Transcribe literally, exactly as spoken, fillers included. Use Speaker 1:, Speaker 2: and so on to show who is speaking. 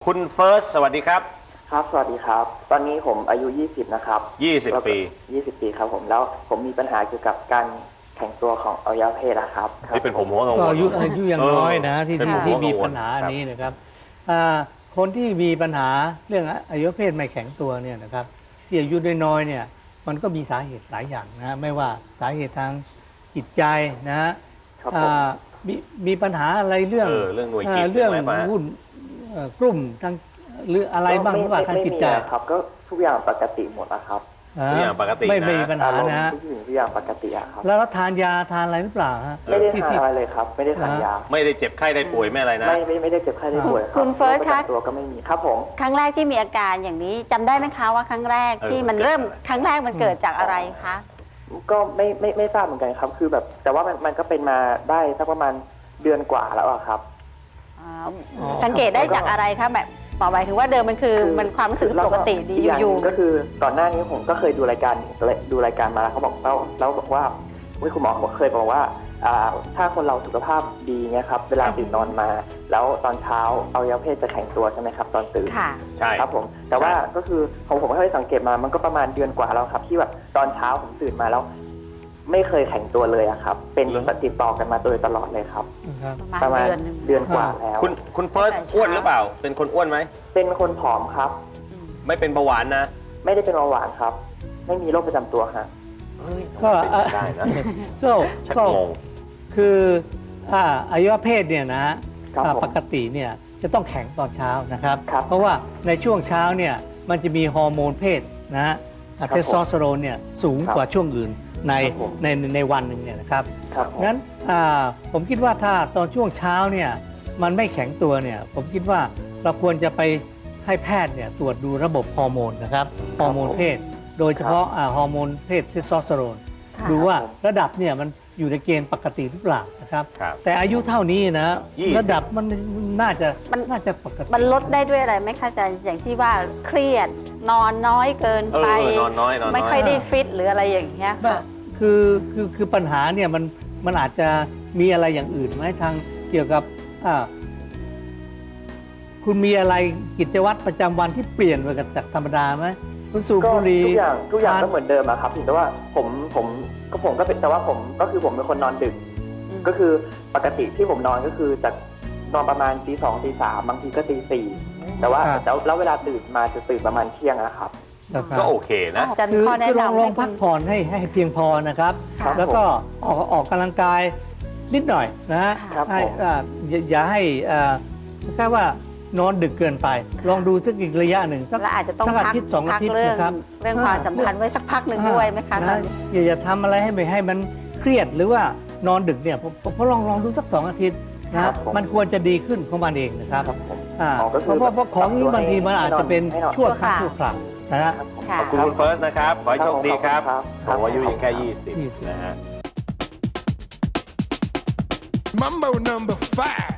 Speaker 1: คุณเฟิร์สสวัสดีครับ
Speaker 2: ครับสวัสดีครับตอนนี้ผมอายุยี่สิบนะครับ
Speaker 1: ยี่สิบปี
Speaker 2: ยี่สิบปีครับผมแล้วผมมีปัญหาเกี่ยวกับการแข่งตัวของอวัยวะเพศนะครับ
Speaker 1: นี่เป็นผมหัวกังวล
Speaker 3: ก็อายุอายุยังน้อยนะที่
Speaker 1: เป็นผม
Speaker 3: ที่
Speaker 1: หัวกั
Speaker 3: มี
Speaker 1: งวล
Speaker 3: ปัญหาอันนี้นะครับอ่าคนที่มีปัญหาเรื่องอวัยวะเพศไม่แข็งตัวเนี่ยนะครับที่อายุน้อยๆเนี่ยมันก็มีสาเหตุหลายอย่างนะไม่ว่าสาเหตุทางจิตใจนะฮะ
Speaker 2: ครับผม
Speaker 3: อ่ามีมีปัญหาอะไรเรื่อง
Speaker 1: เออเรื่องหน่วยกิจ
Speaker 3: เรื่อง
Speaker 1: ใช่ไหม
Speaker 3: วุ่นเอ่อกลุ่มทางหรืออะไรบ้างหรือว่าทางจิตใจ
Speaker 2: ไม่มีครับก็ทุกอย่างปกติหมดนะครับ
Speaker 1: ทุกอย่างปกตินะ
Speaker 3: ไม่ไม่มีปัญหา
Speaker 2: อารมณ์
Speaker 3: นะฮะ
Speaker 2: ทุกสิ่งทุกอย่างปกติอะครับ
Speaker 3: แล้วทานยาทานอะไรหรือเปล่าฮะ
Speaker 2: ไม่ได้
Speaker 3: ที่
Speaker 2: ทาน
Speaker 3: ที่
Speaker 2: อะไรเลยครับ ไม่ได้ทานยา
Speaker 1: ไม่ได้เจ็บไข้ได้ป่วยไม่อะไรนะ
Speaker 2: ไม่ไม่ไม่ได้เจ็บไข้ได้ป่วยรับ
Speaker 4: คุณเฟิร์ส
Speaker 2: โกป
Speaker 4: คะ
Speaker 2: ระจำตัวก็ไม่มีครับผม
Speaker 4: ครั้งแรกที่มีอาการอย่างนี้จำได้ไหมคะว่าครั้งแรก
Speaker 1: เออ
Speaker 4: ที่มัน
Speaker 1: มันเกิด
Speaker 4: เริ่ม
Speaker 1: อะไร
Speaker 4: ครั้งแรกมันเกิดจากอะไรคะ
Speaker 2: ก็ไม่ไม่ไม่ทราบเหมือนกันครับ คือแบบแต่ว่ามันมันก็เป็นมาได้สักประมาณเดือนกว่าแล้วอะครับ
Speaker 4: อ๋อ
Speaker 3: อ๋อ
Speaker 4: สังเกตได้จากอะไรคะแบบบอกหมายถึงว่าเดิมมันคือ
Speaker 2: คือ
Speaker 4: มันความรู้สึกปกติดี
Speaker 2: กอย่าง
Speaker 4: อยู่
Speaker 2: หนึ่งก็คือก่อนหน้านี้ผมก็เคยดูรายการดูรายการมาแล้วเขาบอกแล้วแล้วบอกว่าเว้ยคุณหมอเขาเคยบอกว่าอ่าถ้าคนเราสุขภาพดีเนี่ยครับเวลาตื่นนอนมา แล้วตอนเช้าอวัยวะเพศจะแข็งตัวใช่ไหมครับตอนตื่น
Speaker 4: ๆค่ะ
Speaker 1: ใช่
Speaker 2: ครับผมแต่ว่าก็คือผมผมเคยสังเกตมามันก็ประมาณเดือนกว่าแล้วครับ ที่แบบตอนเช้าผมตื่นมาแล้ว ไม่เคยแข็งตัวเลยอะครับ เป็นติดต่อกันมาโดยตลอดเลยครับ
Speaker 3: นะครับ
Speaker 4: ประมาณ
Speaker 2: ประมาณ
Speaker 4: เดือนหนึ่ง
Speaker 2: เดือนกว่าแล้ว
Speaker 1: คุณคุณเฟิร์ส
Speaker 4: ตั้งแต่เช้า
Speaker 1: อ้วนหรือเปล่า เป็นคนอ้วนไหม
Speaker 2: เป็นคนผอมครับ
Speaker 4: อืม
Speaker 1: ไม่เป็นเบาหวานนะ
Speaker 2: ไม่ได้เป็นเบาหวานครับ ไม่มีโรคประจำตัวฮะ
Speaker 1: เฮ้ย
Speaker 3: ก็
Speaker 1: ทำไมเป็นไปได้นะ
Speaker 3: ก็
Speaker 1: ชัก
Speaker 3: ก็
Speaker 1: งง
Speaker 3: คืออ่าอวัยวะเพศเนี่ยนะฮะ
Speaker 2: ครับ
Speaker 3: อ่า
Speaker 2: ผม
Speaker 3: ปกติเนี่ยจะต้องแข็งตอนเช้านะครับ
Speaker 2: ครับ
Speaker 3: เพราะว่าในช่วงเช้าเนี่ยมันจะมีฮอร์โมนเพศนะฮะ
Speaker 2: ครับ
Speaker 3: เทสโทสเตอโรนเนี่ยสูง
Speaker 2: ครับ
Speaker 3: กว่าช่วงอื่นใน
Speaker 2: ครับผม
Speaker 3: ในในวันหนึ่งเนี่ยนะครับ
Speaker 2: ครับผม
Speaker 3: งั้นอ่าผมคิดว่าถ้าตอนช่วงเช้าเนี่ยมันไม่แข็งตัวเนี่ยผมคิดว่าเราควรจะไปให้แพทย์เนี่ยตรวจดูระบบฮอร์โมนนะครับฮอร์โมนเพศ โดยเฉพาะอ่าฮอร์โมนเพศเทสโทสเตอโรน
Speaker 4: ค่ะ
Speaker 3: ดูว่าระดับเนี่ยมันอยู่ในเกณฑ์ปกติหรือเปล่านะครับ
Speaker 1: ครับ
Speaker 3: แต่อายุเท่านี้นะ
Speaker 1: ยี่สิบ
Speaker 3: ระดับมันน่าจะ
Speaker 4: มัน
Speaker 3: น่าจะปกติ
Speaker 4: มันลดได้ด้วยอะไรไหมคะอาจารย์อย่างที่ว่าเครียดนอนน้อยเกิน
Speaker 1: เออ
Speaker 4: ไป
Speaker 1: นอนน้อยนอนน้อย
Speaker 4: ไม่ค่อยได้ฟิตหรืออะไรอย่างเงี้ย
Speaker 3: ว่า
Speaker 4: ค่ะ
Speaker 3: คือคือคือปัญหาเนี่ยมันมันอาจจะมีอะไรอย่างอื่นไหมทางเกี่ยวกับอ่าคุณมีอะไรกิจวัตรประจำวันที่เปลี่ยนไปจากธรรมดาไหมคุณสูบ
Speaker 2: ก็
Speaker 3: บุหรี่
Speaker 2: ทุกอย่างทุกอย่าง
Speaker 3: ทาน
Speaker 2: ก็เหมือนเดิมอะครับแต่ว่าผมผมก็ผมก็เป็นแต่ว่าผมก็คือผมเป็นคนนอนดึก ก็คือปกติที่ผมนอนก็คือจากนอนประมาณตีสองตีสามบางทีก็ตีสี่แต่ว่าแล้วแล้วเวลาตื่นมาจะตื่นประมาณเที่ยงนะครับ
Speaker 3: นะครับ
Speaker 1: ก็โอเคนะ
Speaker 4: อาจารย์
Speaker 3: คือ
Speaker 4: ข้อแนะ
Speaker 3: คือลอง
Speaker 4: นำ
Speaker 3: ล
Speaker 4: ให้
Speaker 3: องพัก
Speaker 4: คุณ
Speaker 3: ผ่อนให้ให้เพียงพอนะครับ
Speaker 4: ค่ะ
Speaker 3: แล้วก็ออกออกกำลังกายนิดหน่อยนะฮะ
Speaker 2: ครับ
Speaker 3: ให้
Speaker 2: ผม
Speaker 3: อ่าอย่าอย่าให้อ่าแค่ว่านอนดึกเกินไป ลองดูสักอีกระยะหนึ่งสัก
Speaker 4: และอาจจะต้อง
Speaker 3: สักอา
Speaker 4: พัก
Speaker 3: ทิตย์สองอา
Speaker 4: พัก
Speaker 3: ทิตย์
Speaker 4: เรื่อง
Speaker 3: นะครับ
Speaker 4: เรื่องความสัมพันธ์ไว้สักพักหนึ่งด้วยไหมคะตอนนี้
Speaker 3: อย่าอย่าทำอะไรให้ไม่ให้มันเครียดหรือว่านอนดึกเนี่ยผมผมผมลองลองดูสักสองอาทิตย์นะค
Speaker 2: ครั
Speaker 3: รับบ
Speaker 2: ผม
Speaker 3: มันควรจะดีขึ้นของมันเองนะครับ
Speaker 2: ครับผม
Speaker 3: อ่า
Speaker 2: อ๋อก็คือ
Speaker 3: เพราะว่าเพราะของนี้บางทีมันอาจจะเป็น
Speaker 2: ให้นอน
Speaker 3: ชั่วครั้ง
Speaker 4: ชั่
Speaker 3: ชั่
Speaker 4: ว
Speaker 3: ว
Speaker 4: ค
Speaker 3: ค
Speaker 4: รา
Speaker 3: ราว วนะฮะ
Speaker 2: ครับผม
Speaker 4: ค่ะ
Speaker 1: ขอบคุณคุณเฟิร์สนะครับ ขอให้โชคดีครับ
Speaker 2: ครับ
Speaker 1: ผมอายุยังแค่ ยี่สิบ
Speaker 3: ยี่สิบ
Speaker 1: นะฮะ
Speaker 5: Mambo number five.